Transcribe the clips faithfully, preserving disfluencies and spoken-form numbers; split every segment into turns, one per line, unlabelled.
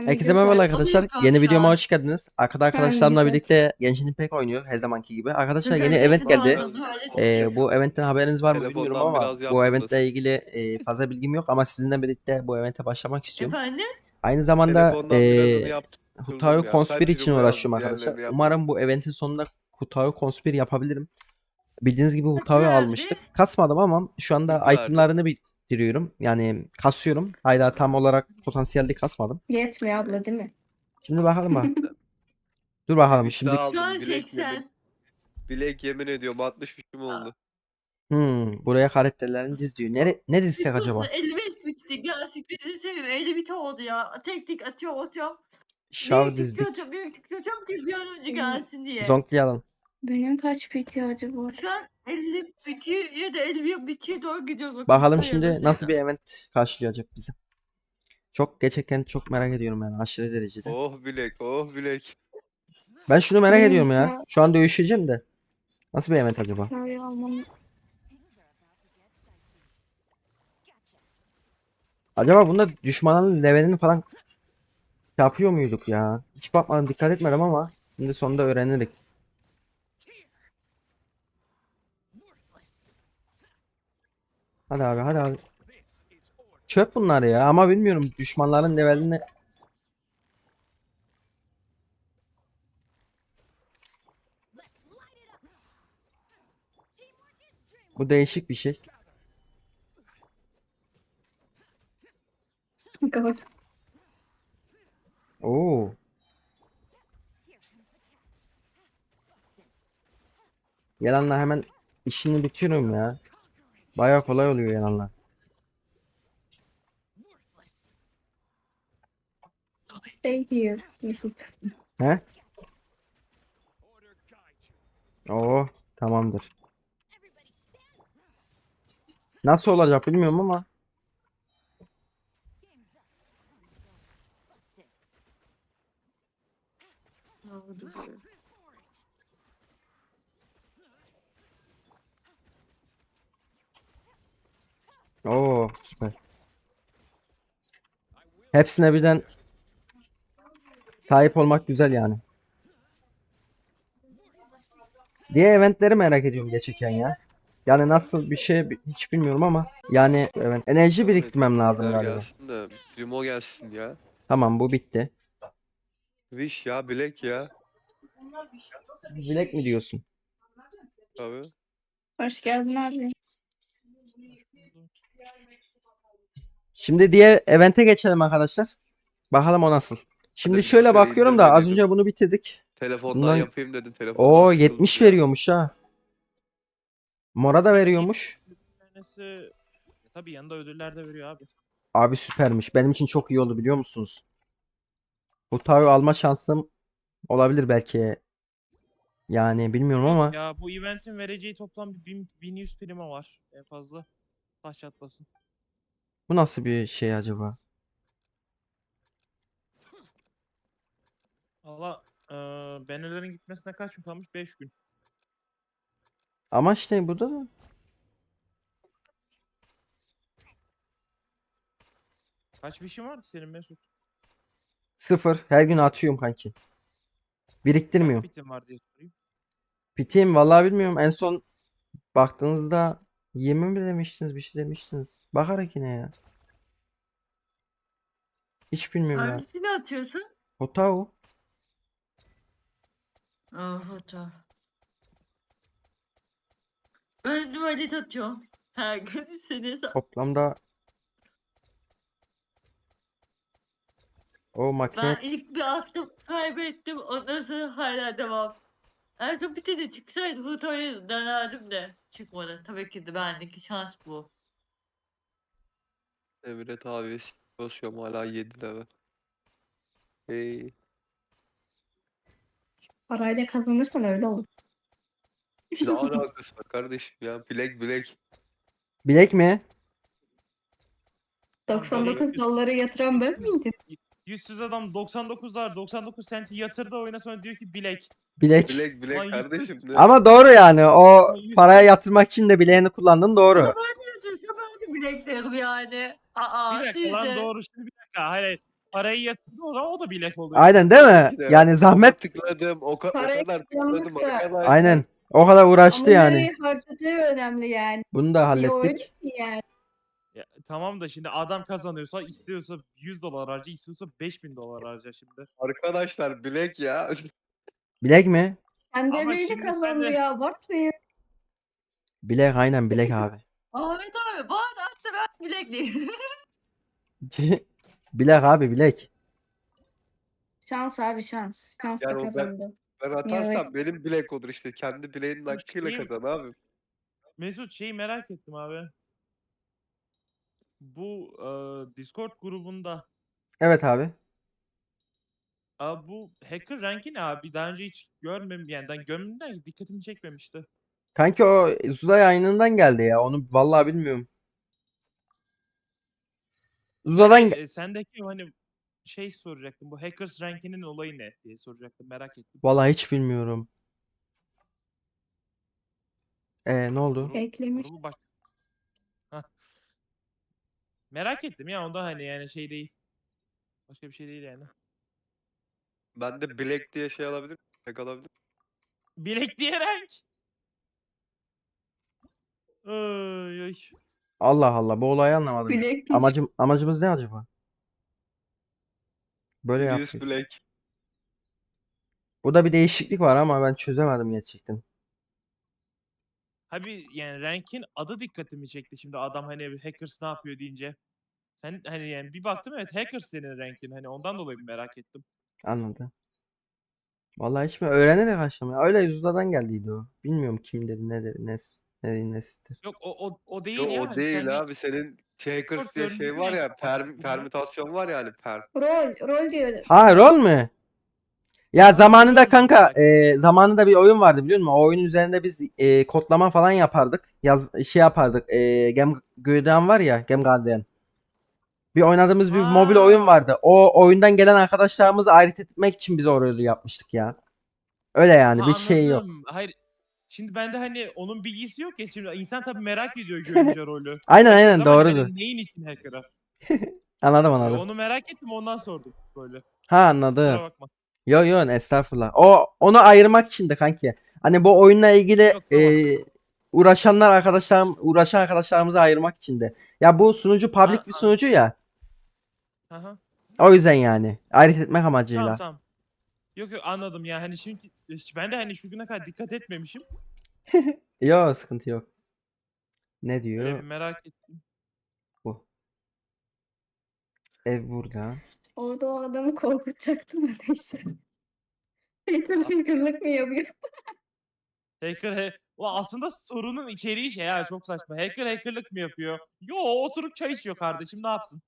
Ben
Herkese
video
merhaba
saati
arkadaşlar.
alıyorum
Yeni
şu
videoma
an.
hoş geldiniz. Arkada
Ben
arkadaşlarımla
güzel.
birlikte Genshin Impact oynuyor her zamanki gibi. Arkadaşlar yeni
Özellikle
event geldi.
pardon, öyle
Ee,
çıkıyor.
bu eventten haberiniz var mı bilmiyorum
Telefondan
ama
biraz
bu
yaptınız.
eventle ilgili e, fazla bilgim yok ama sizinle birlikte bu evente başlamak istiyorum.
Efendim?
Aynı zamanda
Telefondan birazını
e,
yaptırdım
Hutaru
ya.
Conspire
Sadece
için
Rumo
uğraşıyorum
yazdım.
arkadaşlar.
Diğerlerini yapmadım.
Umarım bu eventin sonunda Hutaru Conspire yapabilirim. Bildiğiniz gibi
Kaç
Hutaru
verdi?
almıştık. Kasmadım ama şu anda
Yirmi verdi.
itemlarını bitiriyorum. Yani kasıyorum. Hala tam olarak potansiyelde kasmadım.
Yetmiyor abla değil mi?
Şimdi bakalım bak. Dur bakalım
Üç
şimdi.
daha
Şu an
aldım. Bilek
seksen.
yemin. Bilek yemin ediyorum altmış üçüm oldu.
Hmm, buraya karakterlerini diz diyor. Nere, ne dizsek
Biliyorsun
acaba?
elli beş bitti. Gerçekten bizi seviyorum. elli bit oldu ya. Tek tek atıyorum atıyorum.
Şav
Büyük tık
dizdik.
atıyorum. Büyük tık atıyorum ki bir an önce gelsin diye.
Zonklayalım.
Benim kaç biti acaba?
Şu an elli bitiyor ya da elli bir bitiyor doğru gidiyoruz. Bakın,
Bakalım
sayıda
şimdi
sayıda.
nasıl bir event karşılayacak bizi. Çok gerçekten çok merak ediyorum yani aşırı derecede.
Oh bilek, oh bilek.
Ben şunu merak
Benim
ediyorum ya.
hikaye-
Şu an dövüşeceğim de. Nasıl bir event acaba?
Hikaye almam.
Acaba bunda düşmanın levelini falan yapıyor muyduk ya? Hiç bakmadım, dikkat etmedim ama şimdi sonunda öğrenirik. Hadi abi, hadi abi. Çöp bunlar ya ama bilmiyorum düşmanların levelini. Bu değişik bir şey.
Kapat.
Oo. Yalanla hemen işini bitiriyorum ya. Bayağı kolay oluyor yalanla.
Stay here Mesut.
He? Oo, tamamdır. Nasıl olacak bilmiyorum ama.
Ne oldu böyle?
Oo, süper. Hepsine birden sahip olmak güzel yani. Diğer eventleri merak ediyorum gerçekten ya. Yani nasıl bir şey bi- hiç bilmiyorum ama yani evet, enerji biriktirmem lazım
Bilekler
galiba.
gelsin de Primo gelsin ya.
Tamam, bu bitti.
Wish ya bilek ya.
Bilek mi diyorsun?
Tabii.
Hoş geldin abi.
Şimdi diğer evente geçelim arkadaşlar. Bakalım o nasıl. Şimdi
Hadi
şöyle
bilgisayarı
bakıyorum da az
indirmeliydim.
önce bunu bitirdik.
Telefondan
Bundan
yapayım dedim. Telefondan
o
sıkıldım
yetmiş
ya.
veriyormuş ha. Mora da veriyormuş.
Tanesi tabii yanında ödüller de veriyor abi.
Abi süpermiş. Benim için çok iyi oldu biliyor musunuz? Bu tavi alma şansım olabilir belki. Yani bilmiyorum ama
Ya bu eventin vereceği toplam bir bin, bin yüz prima var en fazla. Taş çatlasın.
bu nasıl bir şey acaba?
Valla eee bannerlerin gitmesine kaç gün kalmış? beş gün.
Ama işte burada da
Kaç bir işin var ki senin Mesut?
sıfır. Her gün atıyorum kanki.
Kaç
Biriktirmiyorum.
bitin var diye sorayım.
Biteyim vallahi bilmiyorum. En son baktığınızda yirmi mi demiştiniz, bir şey demiştiniz. Bakarak yine ya. Hiç bilmiyorum ya.
Hangisini atıyorsun?
Hotao.
Aa foto. Ben tuvalet atıyorum. Her gün seni sa-
Toplamda o makine
Ben ilk bir attım kaybettim. Ondan sonra hala devam. En son bir tane çıksaydı fotoğrafı denerdim de. Çıkmadı. Tabii ki de bendeki şans bu.
Emret abi basıyorum hala yedi lira. Hey.
Parayla kazanırsan öyle olur.
Ne alakası var kardeşim ya? Bilek bilek.
bilek mi?
doksan dokuz doları yatıran ben miydim?
Yüzsüz adam doksan dokuzlar doksan dokuz senti yatırdı oyuna sonra diyor ki bilek.
Bilek.
Bilek bilek
Lan yüzsüz.
kardeşim. Ne?
Ama doğru yani. O
Ama yüz-
paraya yatırmak için de bileğini kullandın doğru.
Ben de yapıyorsam ben de bileklerim yani. Aa
Bir dakika
siz
lan
de.
doğru şimdi bir dakika hayır hayır. parayı yatırdı o zaman o da bilek oluyor.
Aynen değil mi?
Tabii ki de.
Yani zahmet
Tıkladım. O, ka- o
Parayı
kadar
kazanmak
tıkladım
da-
arkadaşlar.
aynen. O kadar uğraştı
Ama
yani.
nereye harcadığı önemli yani.
Bunu da
Bir oyun
hallettik.
için yani.
Ya, tamam da şimdi adam kazanıyorsa istiyorsa yüz dolar harca, istiyorsa beş bin dolar harca şimdi.
Arkadaşlar bilek ya.
Bilek mi?
Kendi
Ama
emeğiyle
şimdi sen
kazandı
de-
ya. Abartmayın.
Bilek aynen bilek abi.
Ahmet abi bana da atsa ben bilekliyim.
Bilek abi bilek.
Şans abi şans. Şansla
Yani o ben-
kazandı.
Ben atarsam benim bilek olur işte. Kendi bileğinin hakkıyla
Şey-
kazan abi.
Mesut şeyi merak ettim abi. Bu e, Discord grubunda
Evet abi.
Abi bu hacker ranki ne abi? Daha önce hiç görmem yani ben gömümden dikkatimi çekmemişti.
Kanki o Zula yayınından geldi ya. Onu vallahi bilmiyorum. Zula'dan
Hani,
ge-
e, sendeki hani şey soracaktım. Bu hackers rankinin olayı ne diye soracaktım. Merak ettim.
vallahi hiç bilmiyorum. E ne oldu?
Grubu,
Eklemiş.
grubu baş... Hah. Merak ettim ya onda hani yani şey değil. Başka bir şey değil yani.
Ben de bilek diye şey alabilir miyim? Bilek alabilir miyim?
Bilek diye rank. Ay, ay.
Allah Allah bu olayı anlamadım.
Bilek piç.
Amacım amacımız ne acaba? Böyle
Yüz
yapıyor.
bilek.
Bu da bir değişiklik var ama ben çözemedim gerçekten.
Abi yani rankin adı dikkatimi çekti şimdi adam hani hackers ne yapıyor deyince. Sen hani yani bir baktım evet hackers senin rankin hani ondan dolayı merak ettim.
Anladım. Vallahi hiç mi öğrenerek açtım ya. Öyle Zula'dan geldiydi o. Bilmiyorum kimdir, nedir, nes, nedir, nesidir.
Yok o o o değil
Yo,
ya.
o
hani
değil
sende
abi. Senin Shakers
Discord
diye şey
görünümü
var
renk
ya.
var.
Perm,
Hı.
permütasyon var ya hani per.
Rol. Rol diyor.
Ha rol mü? Ya
Ha,
zamanında
rol
kanka
merak
e, zamanında bir oyun vardı biliyor musun? O oyun üzerinde biz e, kodlama falan yapardık. Yaz şey yapardık. E, Gem Guardian var ya, Gem Guardian. Bir oynadığımız bir mobil oyun
Ha.
vardı. O oyundan gelen arkadaşlarımızı ayırt etmek için biz o rolü yapmıştık ya. Öyle yani
Ha
bir şey yok.
anladım. Hayır. Şimdi bende hani onun bilgisi yok ya şimdi insan tabii merak ediyor görünce rolü.
Aynen
Hackers
aynen
ama hani
doğrudur.
neyin için hacker'a?
Anladım
E,
anladım.
onu merak ettim ondan sordum böyle.
Ha anladım.
Kusura bakma.
Yo yo estağfurullah. O onu ayırmak için de kanki. Hani bu oyunla ilgili
Yok, tamam.
e, uğraşanlar arkadaşlarım uğraşan arkadaşlarımızı ayırmak için de. Ya bu sunucu public
Ha,
bir sunucu ya.
Aha.
O yüzden yani. Ayırt etmek
Tamam
amacıyla.
tamam. Yok yok anladım ya hani şimdi ben de hani şu güne kadar dikkat etmemişim.
Yo sıkıntı yok. Ne
Öyle bir
diyor
merak ettim.
bu? Ev burada.
Orada o adamı korkutacaktım da neyse. Hater figürlük mü yapıyor?
Hacker he Ulan aslında sorunun içeriği şey ya çok saçma. Hacker hackerlık mı yapıyor? Yo oturup çay içiyor kardeşim ne yapsın?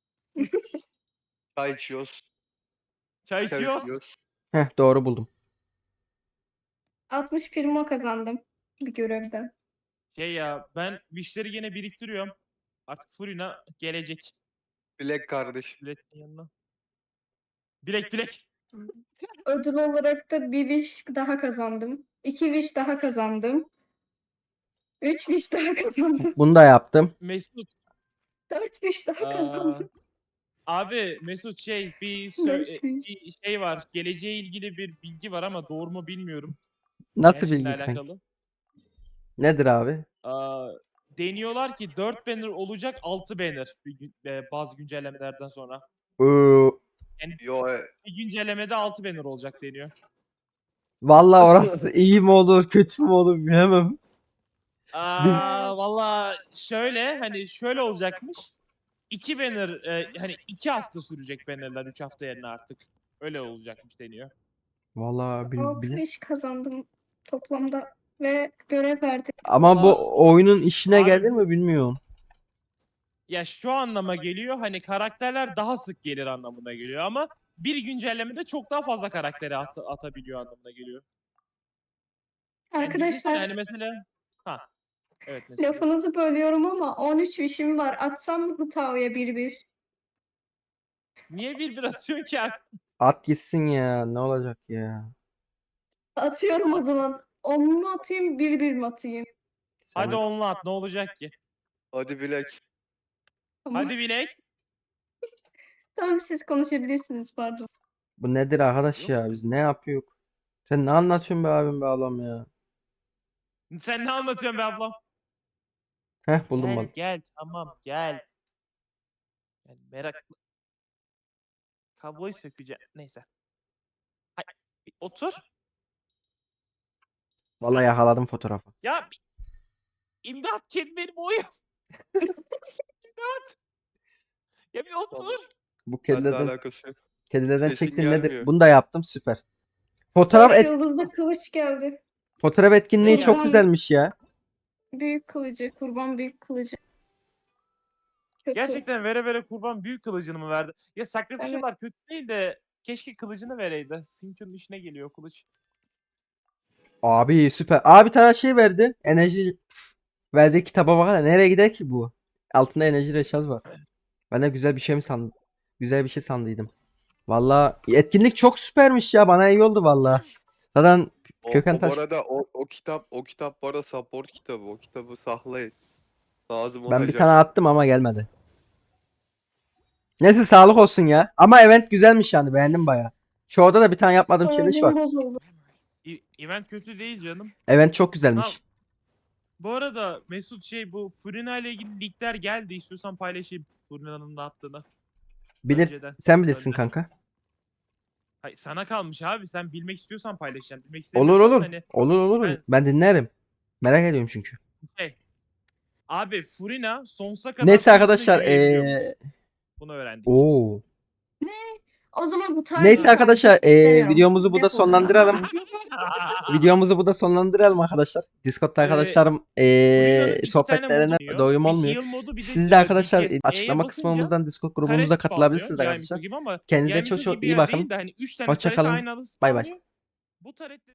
Çay içiyoruz.
Çay
Çay
içiyoruz.
içiyoruz.
Heh doğru buldum.
altmış primo kazandım bir görevden.
Şey ya ben wishleri yine biriktiriyorum. Artık Furina gelecek.
Bilek kardeşim.
Biletin yanına. Bilek bilek.
Ödül olarak da bir wish daha kazandım. iki wish daha kazandım. Üç wish daha kazandım.
Bunu da yaptım.
Mesut.
Dört wish daha
Aa,
kazandım.
abi Mesut şey bir,
Beş
sö-
wish.
bir şey var. Geleceğe ilgili bir bilgi var ama doğru mu bilmiyorum.
Nasıl
Gençlikle
bilgi kanki?
alakalı.
Nedir abi?
Aa, deniyorlar ki dört banner olacak altı banner bir gün, e, bazı güncellemelerden sonra.
Ee,
Yo e,
Bir güncellemede altı banner olacak deniyor.
vallahi orası iyi mi olur, kötü mü olur bilemem.
Aa valla şöyle hani şöyle olacakmış. iki banner e, hani iki hafta sürecek bannerlar üç hafta yerine artık. Öyle olacakmış deniyor.
Vallahi bil,
Altı
bile.
wish kazandım toplamda ve görev verdi.
Ama
Allah.
bu oyunun işine
Abi-
gelir mi bilmiyorum.
Ya şu anlama geliyor hani karakterler daha sık gelir anlamına geliyor ama bir güncellemede çok daha fazla karakteri at- atabiliyor anlamına geliyor. Yani düşünsene
Arkadaşlar
hani mesela ha evet mesela.
lafınızı bölüyorum ama on üç wish'im var. Atsam mı bu Tao'ya bir bir?
Niye bir bir atıyorsun ki abi?
At gitsin ya. Ne olacak ya?
Atıyorum o zaman. on mu atayım bir bir mi atayım?
Sen
Hadi onunla at ne olacak ki?
hadi bilek.
Ama
Hadi bilek.
Tamam siz konuşabilirsiniz pardon.
Bu nedir arkadaş
Yok.
ya? Biz ne yapıyoruz? Sen ne anlatıyorsun be abim be ablam ya?
Sen ne anlatıyorsun be ablam?
Heh buldum
Gel
mal.
gel tamam gel. Yani meraklı. Kabloyu sökeceğim. Neyse. Hay, bir otur.
Vallahi yakaladım fotoğrafı.
Ya bir- imdat kedi benim oyun. İmdat. Ya bir otur.
Bu
Benimle
kedilerden
alakası yok.
kedilerden
Sesin
çektiğin nedir?
gelmiyor.
Bunu da yaptım süper. Fotoğraf
Dört
et,
yıldızlı kılıç geldi.
fotoğraf etkinliği
Ne
çok
geldi?
güzelmiş ya.
Büyük kılıcı, kurban büyük kılıcı. Kötü.
Gerçekten vere vere kurban büyük kılıcını mı verdi? Ya sacrificial'lar kötü değil de keşke kılıcını vereydi. Sincho'nun işine geliyor o kılıç.
Abi süper. Abi bir tane şey verdi. Enerji verdiği kitaba bakana nereye gider ki bu? Altında enerji reşaz var. Ben de güzel bir şey mi sandım? Güzel bir şey sandıydım. Valla etkinlik çok süpermiş ya. Bana iyi oldu valla. Zaten
O,
Köken
o bu
Taş-
arada o, o kitap o kitap bu arada support kitabı. O kitabı saklayın. Lazım
ben bir
olacak.
tane attım ama gelmedi. Neyse sağlık olsun ya. Ama event güzelmiş yani. Beğendim baya. Şu orada da bir tane yapmadığım challenge var.
Moralim bozuldu.
E- event kötü değil canım.
Event çok güzelmiş.
Bu arada Mesut şey bu Furina ile ilgili leakler geldi. İstiyorsan paylaşayım Furina'nın da attığını.
Bilir,
önceden,
sen bilirsin
önceden.
kanka.
Hayır, sana kalmış abi. Sen bilmek istiyorsan paylaşacaksın. Bilmek
Olur
istemiyorsan
olur.
hani
Olur olur.
ben-
Ben dinlerim. Merak ediyorum çünkü.
şey. Abi Furina sonsuza kadar
Neyse
Furina
arkadaşlar.
yürüyebiliyormuş.
Eee
Bunu öğrendik.
Oo.
O zaman bu tarz
Neyse
bir
arkadaşlar,
takip
eee,
istemiyorum.
videomuzu burada
Defol.
sonlandıralım. Videomuzu burada sonlandıralım arkadaşlar. Discord'da
Ee,
arkadaşlarım
Furina'nın
eee
iki
sohbetlerine
tane modu
doyum
Bir
olmuyor.
heal modu, bir de
Siz de
e,
arkadaşlar
D P S.
açıklama
E'ye
kısmımızdan Discord
basınca
grubumuza
turret
katılabilirsiniz
spamlıyor,
arkadaşlar.
Yayımcı gibi ama
Kendinize
Yayımcı
çok çok
gibi
iyi
yer
bakın.
değil de hani üç tane
Hoşça
turret
kalın.
aynı anda
Bay bay.
spamlıyor. Bu turret